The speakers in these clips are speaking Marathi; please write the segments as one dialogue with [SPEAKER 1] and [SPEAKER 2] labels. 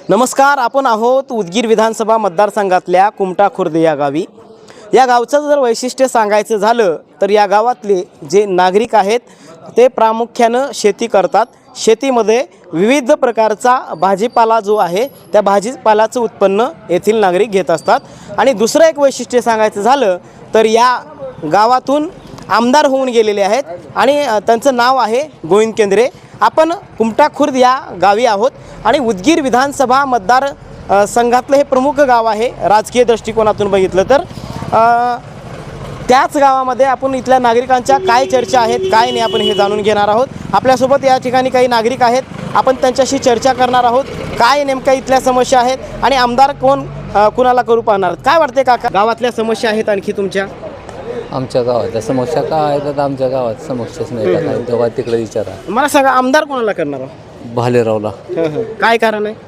[SPEAKER 1] नमस्कार, आपण आहोत उदगीर विधानसभा मतदारसंघातल्या कुमटा खुर्द या गावी. या गावचं जर वैशिष्ट्य सांगायचं झालं तर या गावातले जे नागरिक आहेत ते प्रामुख्यानं शेती करतात. शेतीमध्ये विविध प्रकारचा भाजीपाला जो आहे त्या भाजीपाल्याचं उत्पन्न येथील नागरिक घेत असतात. आणि दुसरं एक वैशिष्ट्य सांगायचं झालं तर या गावातून आमदार होऊन गेलेले आहेत आणि त्यांचं नाव आहे गोविंद केंद्रे. आपण कुमटा खुर्द या गावी आहोत आणि उदगीर विधानसभा मतदार संघातलं हे प्रमुख गाव आहे राजकीय दृष्टिकोनातून बघितलं तर. त्याच गावामध्ये आपण इथल्या नागरिकांच्या काय चर्चा आहेत काय नाही आपण हे जाणून घेणार आहोत. आपल्यासोबत या ठिकाणी काही नागरिक आहेत, आपण त्यांच्याशी चर्चा करणार आहोत. काय नेमक्या इथल्या समस्या आहेत आणि आमदार कुणाला करू पाहणार. काय वाटते काका, गावातल्या समस्या आहेत आणखी तुमच्या?
[SPEAKER 2] आमच्या गावात समस्या काय आहेत? आता आमच्या गावात समस्याच नाही का, तेव्हा तिकडे विचारा.
[SPEAKER 1] मला सांगा, आमदार कोणाला करणार आहोत?
[SPEAKER 2] भालेरावला.
[SPEAKER 1] काय कारण आहे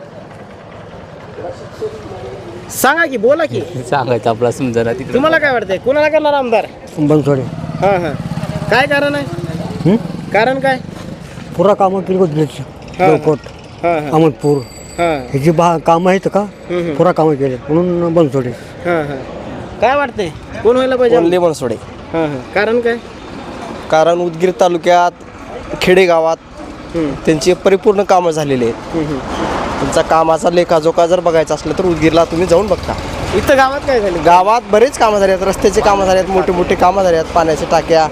[SPEAKER 1] सांगा की, बोला की.
[SPEAKER 2] सांगायचं आपला समजा ना तिकडे.
[SPEAKER 1] तुम्हाला काय वाटतंय, कोणाला करणार आमदार?
[SPEAKER 3] बनसोडे.
[SPEAKER 1] काय कारण आहे? कारण काय?
[SPEAKER 3] पुरा कामं केली उदगीरची, अहमदपूर ह्याची कामं आहेत का, पुरा कामं केले म्हणून बनसोडे.
[SPEAKER 1] काय वाटतंय, कोण व्हायला पाहिजे?
[SPEAKER 4] ओनली बनसोडे.
[SPEAKER 1] कारण काय?
[SPEAKER 4] कारण उदगीर तालुक्यात खेडेगावात त्यांची परिपूर्ण कामं झालेली आहेत. त्यांचा कामाचा लेखाजोखा जर बघायचा असलं तर उदगीरला तुम्ही जाऊन बघता.
[SPEAKER 1] इथं गावात काय झालं?
[SPEAKER 4] गावात बरेच कामं झाली आहेत, रस्त्याचे कामं झाले आहेत, मोठे मोठे कामं झाले आहेत, पाण्याच्या टाक्या,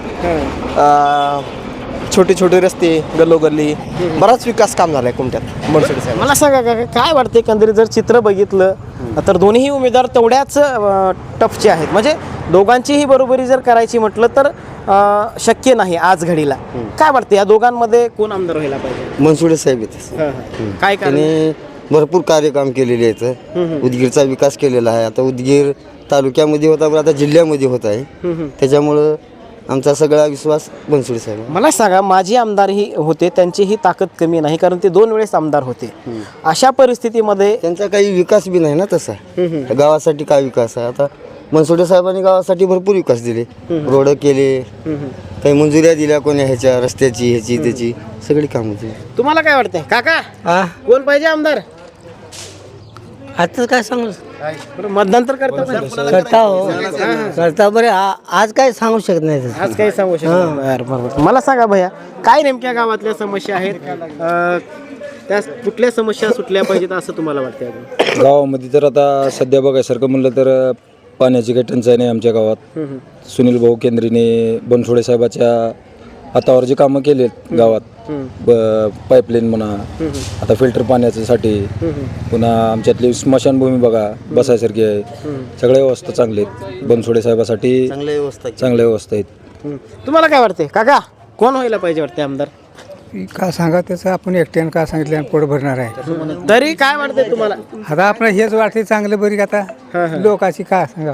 [SPEAKER 4] छोटे छोटे रस्ते, गल्लोगल्ली, बराच विकास काम झाला आहे कुमट्यात बनसोडे साहेब.
[SPEAKER 1] मला सांगा काका, काय वाटते एकंदरीत जर चित्र बघितलं तर दोन्ही उमेदवार तेवढ्याच टफचे आहेत. म्हणजे दोघांचीही बरोबरी जर करायची म्हटलं तर शक्य नाही आज घडीला. काय वाटतं या दोघांमध्ये कोण आमदार व्हायला पाहिजे?
[SPEAKER 5] बनसोडे साहेब येते.
[SPEAKER 1] काय कारण?
[SPEAKER 5] त्यांनी भरपूर कार्यक्रम केलेले आहेत, उदगीरचा विकास केलेला आहे. आता उदगीर तालुक्यामध्ये होता पण आता जिल्ह्यामध्ये होत आहे, त्याच्यामुळं आमचा सगळा विश्वास बनसोडे साहेब.
[SPEAKER 1] मला सांगा, माजी आमदारही होते, त्यांचीही ताकद कमी नाही कारण ते 2 वेळेस आमदार होते. अशा परिस्थितीमध्ये
[SPEAKER 5] त्यांचा काही विकास बी नाही ना तसा. गावासाठी काय विकास आहे? आता बनसोडे साहेबांनी गावासाठी भरपूर विकास दिले, रोड केले, काही मंजुऱ्या दिल्या कोण्या ह्याच्या रस्त्याची ह्याची त्याची सगळी कामं दिली.
[SPEAKER 1] तुम्हाला काय वाटतंय काका, कोण पाहिजे आमदार?
[SPEAKER 3] आता काय सांगू,
[SPEAKER 1] मतदान तर करता
[SPEAKER 3] करता बरे आज काय सांगू शकत नाही.
[SPEAKER 1] आज काही सांगू शकतो? बरोबर. मला सांगा भैया, काय नेमक्या गावातल्या समस्या आहेत, त्या कुठल्या समस्या सुटल्या पाहिजेत असं तुम्हाला वाटतं?
[SPEAKER 6] गावामध्ये तर आता सध्या बघायसारखं म्हणलं तर पाण्याची काही टंचाई नाही आमच्या गावात. सुनील भाऊ केंद्रेने बनसोडे साहेबाच्या हातावर जे कामं केलेत गावात, पाईपलाईन म्हणा, आता फिल्टर पाण्यासाठी, पुन्हा आमच्यातली स्मशानभूमी बघा बसायसारखी आहे, सगळ्या व्यवस्था चांगल्या आहेत. बनसोडे साहेबासाठी चांगल्या व्यवस्था आहेत.
[SPEAKER 1] तुम्हाला काय वाटते काका, कोण व्हायला पाहिजे वाटते आमदार?
[SPEAKER 3] का सांगा त्याचं, आपण एकट्यानं का सांगितलं पोट भरणार आहे.
[SPEAKER 1] तरी काय वाटतंय तुम्हाला?
[SPEAKER 3] आता आपण हेच वाटते चांगलं बरी, आता लोकांची का सांगा.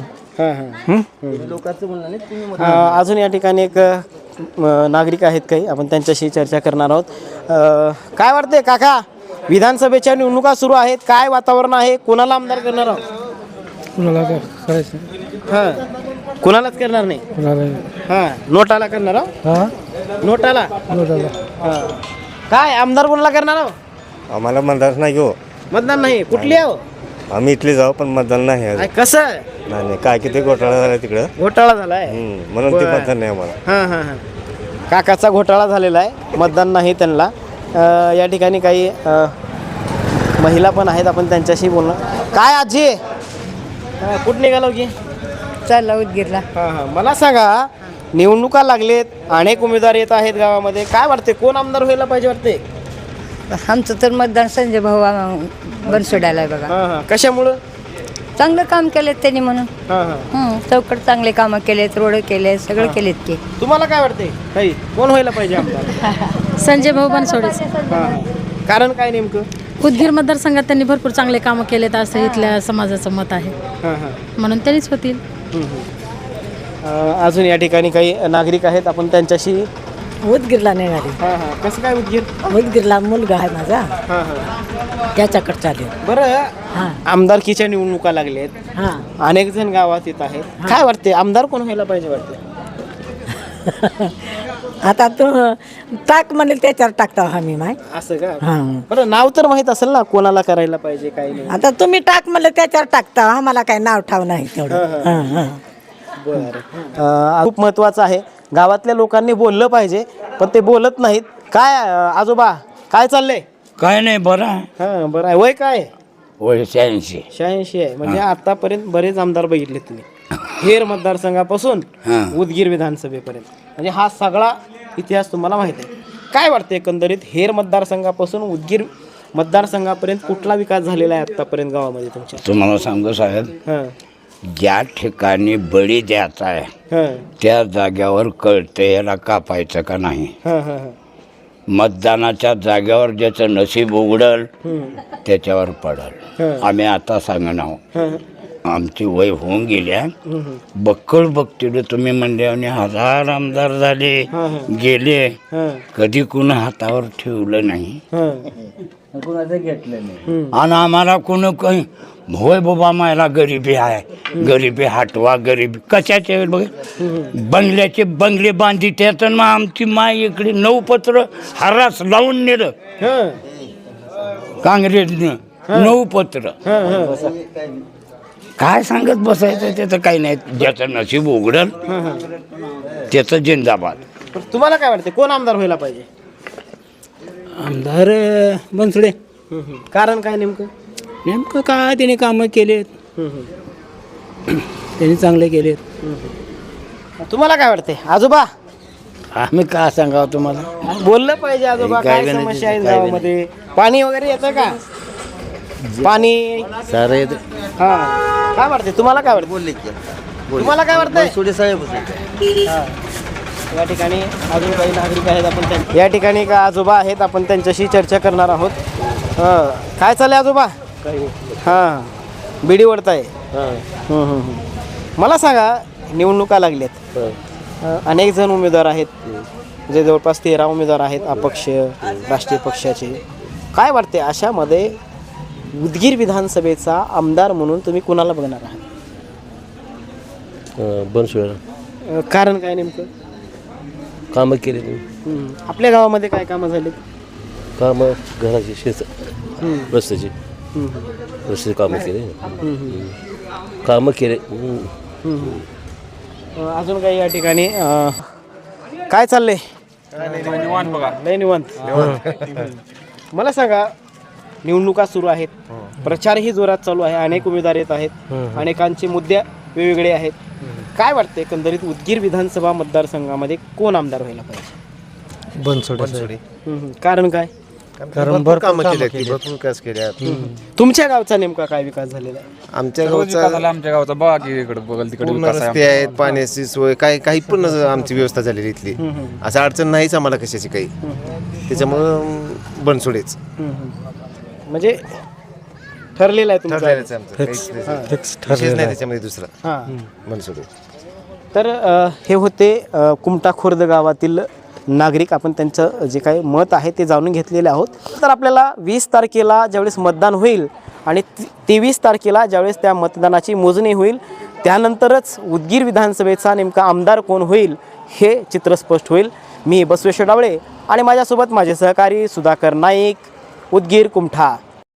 [SPEAKER 1] अजून या ठिकाणी एक नागरिक आहेत काही, आपण त्यांच्याशी चर्चा करणार आहोत. काय वाटते काका, विधानसभेच्या निवडणुका सुरू आहेत, काय वातावरण आहे, कोणाला आमदार करणार आहोत?
[SPEAKER 3] कुणाला करायचं,
[SPEAKER 1] कुणालाच करणार नाही. नोटाला करणार आहोत. नोटाला काय आमदार कोणाला करणार आहोत?
[SPEAKER 7] आम्हाला मतदान नाही हो.
[SPEAKER 1] मतदान नाही. कुठली आहो?
[SPEAKER 7] आम्ही इथले जाऊ पण मतदान नाही.
[SPEAKER 1] कसं
[SPEAKER 7] नाही काय किती घोटाळा झाला तिकडं,
[SPEAKER 1] घोटाळा झालाय
[SPEAKER 7] म्हणून ते मतदान नाही आम्हाला.
[SPEAKER 1] काकाचा घोटाळा झालेला आहे, मतदान नाही त्यांना. या ठिकाणी काही महिला पण आहेत, आपण त्यांच्याशी बोलणार. काय आजी, कुठं निघालो की?
[SPEAKER 8] चालला उदगीरला.
[SPEAKER 1] मला सांगा, निवडणुका लागलेत, अनेक उमेदवार येत आहेत गावामध्ये, काय वाटते कोण आमदार व्हायला पाहिजे वाटते?
[SPEAKER 8] आमचं तर मतदान संजय भाऊ बनसोडायला आहे बघा.
[SPEAKER 1] कशामुळं?
[SPEAKER 8] चांगलं काम केलेत त्यांनी म्हणून. चौकट चांगले कामं केलेत, रोड केले, सगळं केलेत की.
[SPEAKER 1] तुम्हाला काय वाटते काही, कोण व्हायला पाहिजे आमदार?
[SPEAKER 9] संजय भाऊ बनसोडे.
[SPEAKER 1] कारण काय नेमकं?
[SPEAKER 9] उदगीर मतदारसंघात त्यांनी भरपूर चांगले कामं केलेत असं इथल्या समाजाचं मत आहे, म्हणून त्यांनीच होतील.
[SPEAKER 1] अजून या ठिकाणी काही नागरिक आहेत, आपण त्यांच्याशी.
[SPEAKER 10] उदगीरला नेणारी.
[SPEAKER 1] कसं काय उदगीर?
[SPEAKER 10] उदगीरला मुलगा आहे माझा, त्याच्याकडे चालेल.
[SPEAKER 1] बरं, आमदारकीच्या निवडणुका लागल्यात, अनेक जण गावात येत आहेत, काय वाटते आमदार कोण व्हायला पाहिजे वाटते?
[SPEAKER 10] आता तू टाक म्हणेल त्याच्यावर टाकता आम्ही माय
[SPEAKER 1] असं का
[SPEAKER 10] हां
[SPEAKER 1] बरं नाव तर माहित असेल ना कोणाला करायला पाहिजे काय नाही
[SPEAKER 10] आता तुम्ही टाक म्हणलं त्याच्यावर टाकता आम्हाला काय नाव ठाव नाही तेवढं हां हां
[SPEAKER 1] बरं खूप महत्त्वाचं आहे. गावातल्या लोकांनी बोललं पाहिजे पण ते बोलत नाहीत. काय आजोबा काय चाललंय?
[SPEAKER 11] काय नाही बरं आहे.
[SPEAKER 1] हां बरं आहे. वय काय?
[SPEAKER 11] वय 86.
[SPEAKER 1] 86 आहे. म्हणजे आतापर्यंत बरेच आमदार बघितले तुम्ही हेर मतदारसंघापासून उदगीर विधानसभेपर्यंत, म्हणजे हा सगळा इतिहास तुम्हाला माहित आहे. काय वाटतं एकंदरीत हेर मतदारसंघापासून उदगीर मतदारसंघापर्यंत कुठला विकास झालेला आहे आतापर्यंत गावामध्ये तुमच्या?
[SPEAKER 11] तुम्हाला सांगतो साहेब,
[SPEAKER 1] हां
[SPEAKER 11] ज्या ठिकाणी बळी द्यायचा आहे
[SPEAKER 1] हां
[SPEAKER 11] त्या जाग्यावर कळते याला कापायचं का नाही.
[SPEAKER 1] हां हां
[SPEAKER 11] मतदानाच्या जाग्यावर ज्याचं नशीब उघडल त्याच्यावर पडल. आम्ही आता सांगणार
[SPEAKER 1] हां
[SPEAKER 11] आमची वय होऊन गेल्या बक्कळ बघतील तुम्ही म्हणले आणि 1000 आमदार झाले गेले, कधी कुणा हातावर ठेवलं नाही आणि आम्हाला कुणा काही होय बाबा मला गरिबी आहे, गरिबी हटवा, गरिबी कशाचे बघ बंगल्याचे बंगले बांधी त्यात मग आमची माय इकडे 9 पत्र हरास लावून नेलं काँग्रेसनं 9 पत्र. काय सांगत बसायचं त्याचं काही नाही, ज्याचं नशीब उघडल त्याचं जिंदाबाद.
[SPEAKER 1] तुम्हाला काय वाटते कोण आमदार व्हायला पाहिजे?
[SPEAKER 12] आमदार बनसोडे.
[SPEAKER 1] कारण काय नेमकं?
[SPEAKER 12] नेमकं काय त्याने कामं केलेत, त्यांनी चांगले केलेत.
[SPEAKER 1] तुम्हाला काय वाटते आजोबा?
[SPEAKER 12] आम्ही काय सांगावं तुम्हाला,
[SPEAKER 1] बोललं पाहिजे आजोबा. काय समस्या आहेत गावामध्ये? पाणी वगैरे येतं का? पाणी
[SPEAKER 5] सारं येते.
[SPEAKER 1] हा काय वाटते तुम्हाला? काय वाटतं?
[SPEAKER 5] बोलले की
[SPEAKER 1] तुम्हाला काय वाटतंय?
[SPEAKER 5] बनसोडे साहेब.
[SPEAKER 1] या ठिकाणी अजून काही नागरिक आहेत, आपण या ठिकाणी का आजोबा आहेत, आपण त्यांच्याशी चर्चा करणार आहोत. काय चाललंय आजोबा? हां बिडी ओढताय. मला सांगा, निवडणुका लागल्यात, अनेक जण उमेदवार आहेत, जे जवळपास 13 उमेदवार आहेत अपक्ष राष्ट्रीय पक्षाचे. काय वाटते अशामध्ये उदगीर विधानसभेचा आमदार म्हणून तुम्ही कुणाला बघणार आहात?
[SPEAKER 12] बनसोडे.
[SPEAKER 1] कारण काय नेमकं?
[SPEAKER 12] कामं केले तुम्ही,
[SPEAKER 1] आपल्या गावामध्ये काय कामं झाली?
[SPEAKER 12] कामं घराची शेत रस्त्याची रस्ते कामं केले, कामं केले.
[SPEAKER 1] अजून काही या ठिकाणी काय चाललंय? लय निवांत. मला सांगा, निवडणुका सुरू आहेत, प्रचारही जोरात चालू आहे, अनेक उमेदवार येत आहेत, अनेकांचे मुद्दे वेगवेगळे आहेत. काय वाटतं एकंदरीत उदगीर विधानसभा मतदारसंघामध्ये कोण आमदार व्हायला पाहिजे?
[SPEAKER 4] बनसोडे.
[SPEAKER 1] कारण काय?
[SPEAKER 4] कारण भरपूर कामं केली, भरपूर विकास केल्या.
[SPEAKER 1] तुमच्या गावचा नेमका काय विकास झालेला आहे?
[SPEAKER 4] आमच्या गावचा पूर्ण रस्ते आहेत, पाण्याची सोय, काही पण आमची व्यवस्था झालेली इथली. असं अडचण नाहीच आम्हाला कशाची काही. त्याच्यामुळं बनसोडेच
[SPEAKER 1] म्हणजे ठरलेलं आहे तुमचं?
[SPEAKER 4] विशेष नाही त्याच्यामध्ये दुसरा.
[SPEAKER 1] हां
[SPEAKER 4] बनसोडे.
[SPEAKER 1] तर हे होते कुमटा खुर्द गावातील नागरिक. आपण त्यांचं जे काही मत आहे ते जाणून घेतलेले आहोत. तर आपल्याला 20 तारखेला ज्यावेळेस मतदान होईल आणि 23 तारखेला ज्यावेळेस त्या मतदानाची मोजणी होईल, त्यानंतरच उदगीर विधानसभेचा नेमका आमदार कोण होईल हे चित्र स्पष्ट होईल. मी बसवेश्वर डावळे आणि माझ्यासोबत माझे सहकारी सुधाकर नाईक, उदगीर कुमठा.